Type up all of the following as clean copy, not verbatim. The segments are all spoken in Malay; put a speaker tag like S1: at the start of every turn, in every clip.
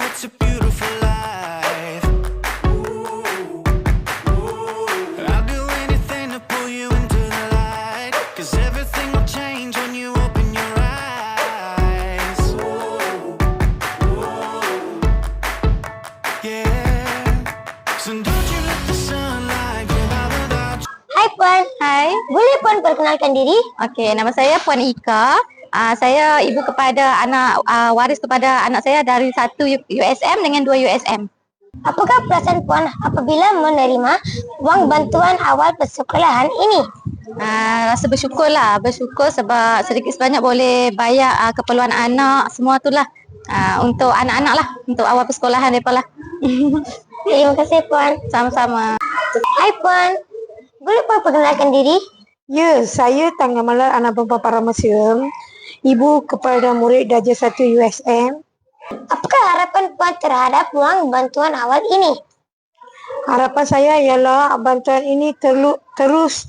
S1: it's a beautiful life. I'll do anything to pull you into the light, 'cause everything will change when you open your eyes. Yeah. So don't you let the sunlight get out without you.
S2: Hai Puan.
S3: Hai,
S2: Boleh Puan perkenalkan diri?
S3: okey, nama saya Puan Ika. Saya ibu kepada anak waris kepada anak saya dari 1 USM dengan 2 USM.
S2: Apakah perasaan Puan apabila menerima wang bantuan awal persekolahan ini?
S3: Rasa bersyukur sebab sedikit sebanyak boleh bayar keperluan anak semua tu lah. Untuk anak-anak lah, untuk awal persekolahan mereka lah.
S2: Terima kasih Puan.
S3: Sama-sama.
S2: Hai Puan. Boleh Puan perkenalkan diri?
S4: Ya, saya Tangga Malar anak perempuan Paramasium, ibu kepada murid darjah 1 USM.
S2: Apakah harapan Puan terhadap wang bantuan awal ini?
S4: Harapan saya ialah bantuan ini terus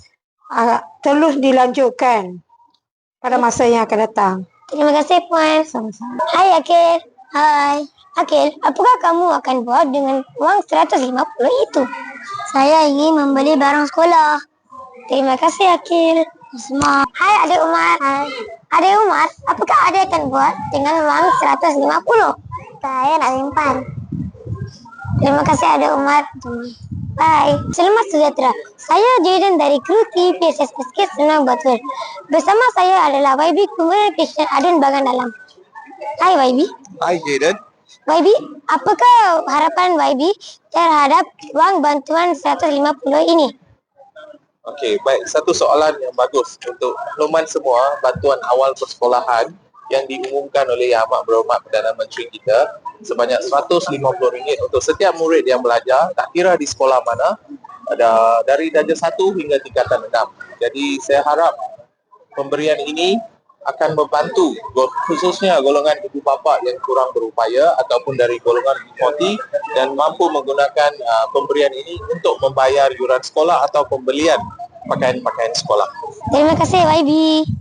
S4: dilanjutkan pada masa yang akan datang.
S2: Terima kasih Puan.
S4: Sama-sama.
S2: Hai Akil. Hai. Akil, apakah kamu akan buat dengan wang 150 itu? Saya ingin membeli barang sekolah. Terima kasih Akil. Semua. Hai Adik Umar. Hai. Adik Umar, apakah Adik akan buat dengan wang 150? Saya nak simpan. Terima kasih Adik Umar. Bye. Selamat sejahtera. Saya Jaden dari kru TPSSK Senang Batul. Bersama saya adalah YB Kumar Krishna Adun Bagan Dalam. Hai YB.
S5: Hai Jaden.
S2: YB, apakah harapan YB terhadap wang bantuan 150 ini?
S5: Okey, baik. Satu soalan yang bagus untuk makluman semua, bantuan awal persekolahan yang diumumkan oleh Yang Amat Berhormat Perdana Menteri kita sebanyak RM150 untuk setiap murid yang belajar, tak kira di sekolah mana, ada dari darjah 1 hingga tingkatan 6. Jadi saya harap pemberian ini akan membantu khususnya golongan ibu bapa yang kurang berupaya ataupun dari golongan B40 dan mampu menggunakan pemberian ini untuk membayar yuran sekolah atau pembelian pakaian-pakaian sekolah.
S2: Terima kasih YB.